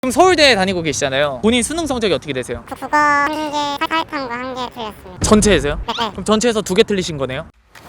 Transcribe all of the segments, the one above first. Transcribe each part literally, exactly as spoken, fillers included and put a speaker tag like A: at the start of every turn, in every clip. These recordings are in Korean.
A: 지금 서울대에 다니고 계시잖아요. 본인 수능 성적이 어떻게 되세요?
B: 저 국어 한 개, 사회탐구 한 개 틀렸습니다.
A: 전체에서요?
B: 네, 네.
A: 그럼 전체에서 두 개 틀리신 거네요?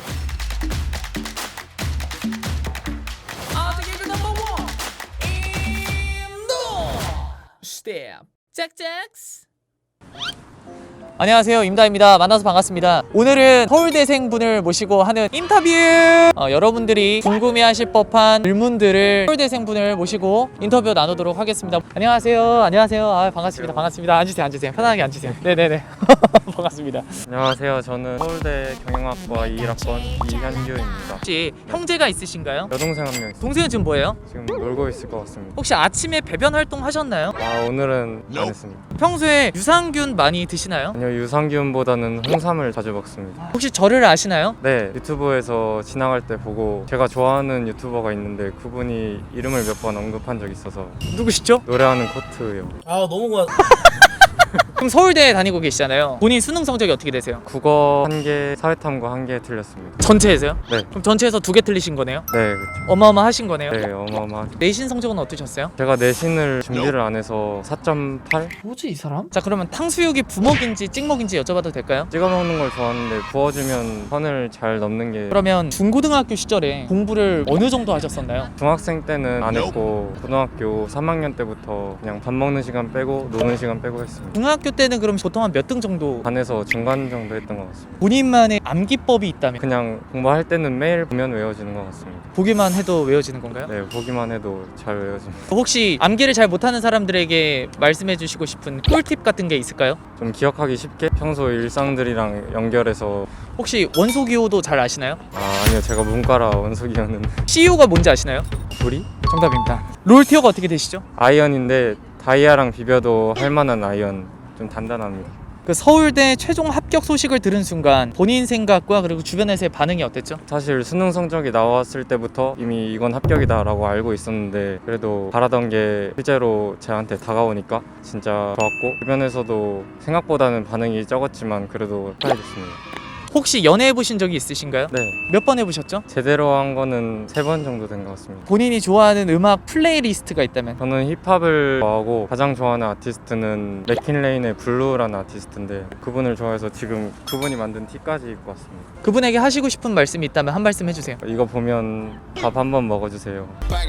A: 안녕하세요, 임다입니다. 만나서 반갑습니다. 오늘은 서울대생 분을 모시고 하는 인터뷰! 어, 여러분들이 궁금해하실 법한 질문들을 서울대생 분을 모시고 인터뷰 나누도록 하겠습니다. 안녕하세요. 안녕하세요. 아, 반갑습니다. 반갑습니다. 앉으세요. 앉으세요. 편하게 앉으세요. 네네네. 반갑습니다.
C: 안녕하세요. 저는 서울대 경영학과 이 일 학번 이현규입니다.
A: 혹시 형제가 있으신가요?
C: 여동생 한 명 있어요.
A: 동생은 지금 뭐예요?
C: 지금 놀고 있을 것 같습니다.
A: 혹시 아침에 배변 활동 하셨나요?
C: 아, 오늘은 안 했습니다.
A: 평소에 유산균 많이 드시나요?
C: 아니요, 유산균보다는 홍삼을 자주 먹습니다.
A: 혹시 저를 아시나요?
C: 네, 유튜브에서 지나갈 때 보고 제가 좋아하는 유튜버가 있는데 그분이 이름을 몇 번 언급한 적이 있어서.
A: 누구시죠?
C: 노래하는 코트요.
D: 아 너무 고맙.
A: 그럼 서울대에 다니고 계시잖아요. 본인 수능 성적이 어떻게 되세요?
C: 국어 한 개, 사회탐구 한 개 틀렸습니다.
A: 전체에서요?
C: 네,
A: 그럼 전체에서 두 개 틀리신 거네요?
C: 네, 그렇죠.
A: 어마어마하신 거네요?
C: 네, 어마어마하죠.
A: 내신 성적은 어떠셨어요?
C: 제가 내신을 준비를 안 해서 사 점 팔?
A: 뭐지 이 사람? 자, 그러면 탕수육이 부먹인지 찍먹인지 여쭤봐도 될까요?
C: 찍어 먹는 걸 좋아하는데 구워주면 선을 잘 넘는 게.
A: 그러면 중고등학교 시절에 공부를 어느 정도 하셨었나요?
C: 중학생 때는 안 했고 고등학교 삼 학년 때부터 그냥 밥 먹는 시간 빼고 노는 시간 빼고 했습니다.
A: 중학교 때는 그럼 보통 한 몇 등 정도?
C: 반에서 중간 정도 했던 것 같습니다.
A: 본인만의 암기법이 있다면
C: 그냥 공부할 때는 매일 보면 외워지는 것 같습니다.
A: 보기만 해도 외워지는 건가요?
C: 네, 보기만 해도 잘 외워집니다.
A: 혹시 암기를 잘 못하는 사람들에게 말씀해 주시고 싶은 꿀팁 같은 게 있을까요?
C: 좀 기억하기 쉽게 평소 일상들이랑 연결해서.
A: 혹시 원소기호도 잘 아시나요?
C: 아, 아니요, 제가 문과라 원소기였는데.
A: 씨이오가 뭔지 아시나요?
C: 불이?
A: 정답입니다. 롤티어가 어떻게 되시죠?
C: 아이언인데 다이아랑 비벼도 할 만한 아이언. 좀 단단합니다.
A: 그 서울대 최종 합격 소식을 들은 순간 본인 생각과 그리고 주변에서의 반응이 어땠죠?
C: 사실 수능 성적이 나왔을 때부터 이미 이건 합격이다 라고 알고 있었는데 그래도 바라던 게 실제로 저한테 다가오니까 진짜 좋았고, 주변에서도 생각보다는 반응이 적었지만 그래도 축하해줬습니다.
A: 혹시 연애해 보신 적이 있으신가요?
C: 네,
A: 몇 번 해보셨죠?
C: 제대로 한 거는 세 번 정도 된 것 같습니다.
A: 본인이 좋아하는 음악 플레이리스트가 있다면?
C: 저는 힙합을 좋아하고 가장 좋아하는 아티스트는 맥킨레인의 블루라는 아티스트인데 그분을 좋아해서 지금 그분이 만든 티까지 입고 왔습니다.
A: 그분에게 하시고 싶은 말씀이 있다면 한 말씀 해주세요.
C: 이거 보면 밥 한번 먹어주세요.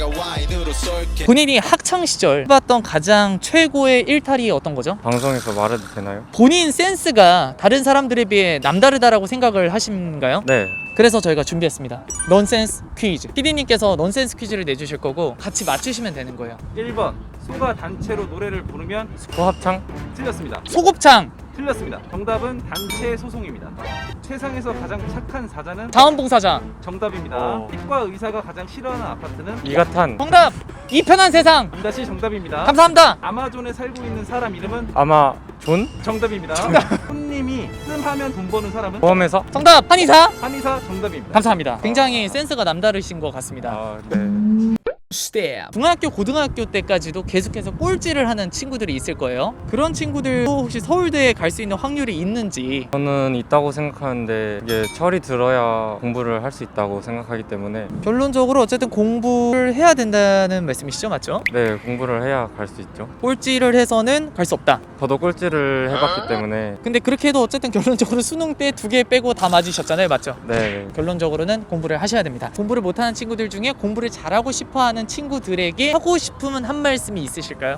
A: 본인이 학창 시절 해봤던 가장 최고의 일탈이 어떤 거죠?
C: 방송에서 말해도 되나요?
A: 본인 센스가 다른 사람들에 비해 남다르다라고 생각을 하신가요?
C: 네.
A: 그래서 저희가 준비했습니다. 넌센스 퀴즈. 피디님께서 넌센스 퀴즈를 내주실 거고 같이 맞추시면 되는 거예요.
D: 일 번 소가 단체로 노래를 부르면
C: 소합창?
D: 틀렸습니다.
A: 소곱창.
D: 틀렸습니다. 정답은 단체 소송입니다. 세상에서 가장 착한 사자는
A: 자원봉사자.
D: 정답입니다.
C: 어.
D: 치과 의사가 가장 싫어하는 아파트는
C: 이가탄.
A: 정답. 이 편한 세상.
D: 임다시 정답입니다.
A: 감사합니다.
D: 아마존에 살고 있는 사람 이름은
C: 아마 존?
D: 정답입니다. 손님이 뜸하면 돈 버는 사람은
C: 보험회사?
A: 정답. 한의사.
D: 한의사 정답입니다.
A: 감사합니다. 굉장히 센스가 남다르신 것 같습니다.
C: 아, 네.
A: 중학교, 고등학교 때까지도 계속해서 꼴찌를 하는 친구들이 있을 거예요. 그런 친구들도 혹시 서울대에 갈 수 있는 확률이 있는지.
C: 저는 있다고 생각하는데 이게 철이 들어야 공부를 할 수 있다고 생각하기 때문에.
A: 결론적으로 어쨌든 공부를 해야 된다는 말씀이시죠? 맞죠?
C: 네, 공부를 해야 갈 수 있죠.
A: 꼴찌를 해서는 갈 수 없다.
C: 저도 꼴찌를 해봤기 때문에.
A: 근데 그렇게 해도 어쨌든 결론적으로 수능 때 두 개 빼고 다 맞으셨잖아요. 맞죠?
C: 네.
A: 결론적으로는 공부를 하셔야 됩니다. 공부를 못하는 친구들 중에 공부를 잘하고 싶어하는 친구들에게 하고 싶으면 한 말씀이 있으실까요?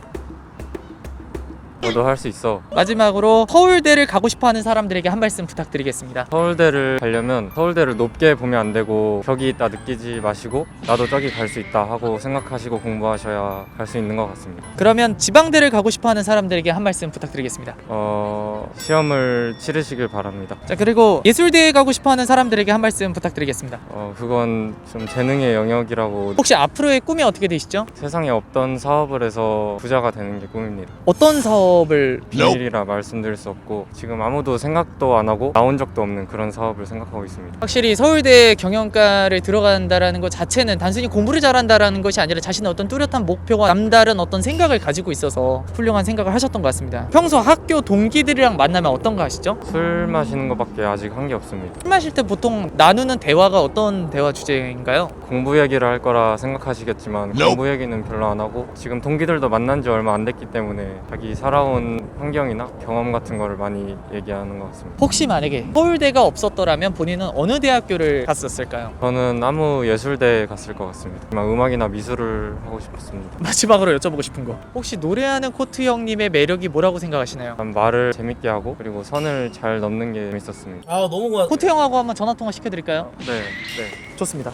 C: 너도 할 수 있어.
A: 마지막으로 서울대를 가고 싶어하는 사람들에게 한 말씀 부탁드리겠습니다.
C: 서울대를 가려면 서울대를 높게 보면 안 되고 벽이 있다 느끼지 마시고 나도 저기 갈 수 있다 하고 생각하시고 공부하셔야 갈 수 있는 것 같습니다.
A: 그러면 지방대를 가고 싶어하는 사람들에게 한 말씀 부탁드리겠습니다.
C: 어... 시험을 치르시길 바랍니다.
A: 자, 그리고 예술대에 가고 싶어하는 사람들에게 한 말씀 부탁드리겠습니다.
C: 어... 그건 좀 재능의 영역이라고.
A: 혹시 앞으로의 꿈이 어떻게 되시죠?
C: 세상에 없던 사업을 해서 부자가 되는 게 꿈입니다.
A: 어떤 사업 사업을
C: 비밀이라 말씀드릴 수 없고 지금 아무도 생각도 안 하고 나온 적도 없는 그런 사업을 생각하고 있습니다.
A: 확실히 서울대 경영과를 들어간다라는 것 자체는 단순히 공부를 잘한다라는 것이 아니라 자신의 어떤 뚜렷한 목표와 남다른 어떤 생각을 가지고 있어서 훌륭한 생각을 하셨던 것 같습니다. 평소 학교 동기들이랑 만나면 어떤 거 하시죠?
C: 술 마시는 것밖에 아직 한 게 없습니다.
A: 술 마실 때 보통 나누는 대화가 어떤 대화 주제인가요?
C: 공부 얘기를 할 거라 생각하시겠지만 공부 얘기는 별로 안 하고 지금 동기들도 만난 지 얼마 안 됐기 때문에 자기 살아온 환경이나 경험 같은 거를 많이 얘기하는 것 같습니다.
A: 혹시 만약에 서울대가 없었더라면 본인은 어느 대학교를 갔었을까요?
C: 저는 아무 예술대에 갔을 것 같습니다. 아마 음악이나 미술을 하고 싶었습니다.
A: 마지막으로 여쭤보고 싶은 거, 혹시 노래하는 코트 형님의 매력이 뭐라고 생각하시나요?
C: 일단 말을 재밌게 하고 그리고 선을 잘 넘는 게 재밌었습니다.
E: 아 너무 고맙.
A: 코트 형하고 한번 전화 통화 시켜드릴까요?
C: 네, 네.
A: 좋습니다.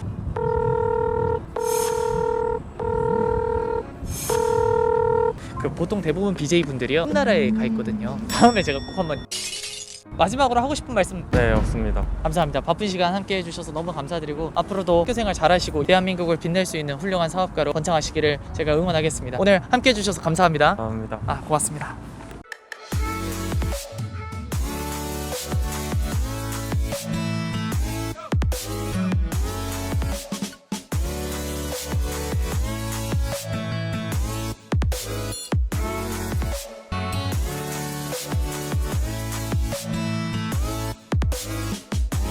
A: 그 보통 대부분 비제이 분들이요 홈나라에 가 있거든요. 다음에 제가 꼭 한번 마지막으로 하고 싶은 말씀.
C: 네, 없습니다.
A: 감사합니다. 바쁜 시간 함께 해주셔서 너무 감사드리고 앞으로도 학교생활 잘하시고 대한민국을 빛낼 수 있는 훌륭한 사업가로 번창하시기를 제가 응원하겠습니다. 오늘 함께 해주셔서 감사합니다.
C: 감사합니다.
A: 아 고맙습니다.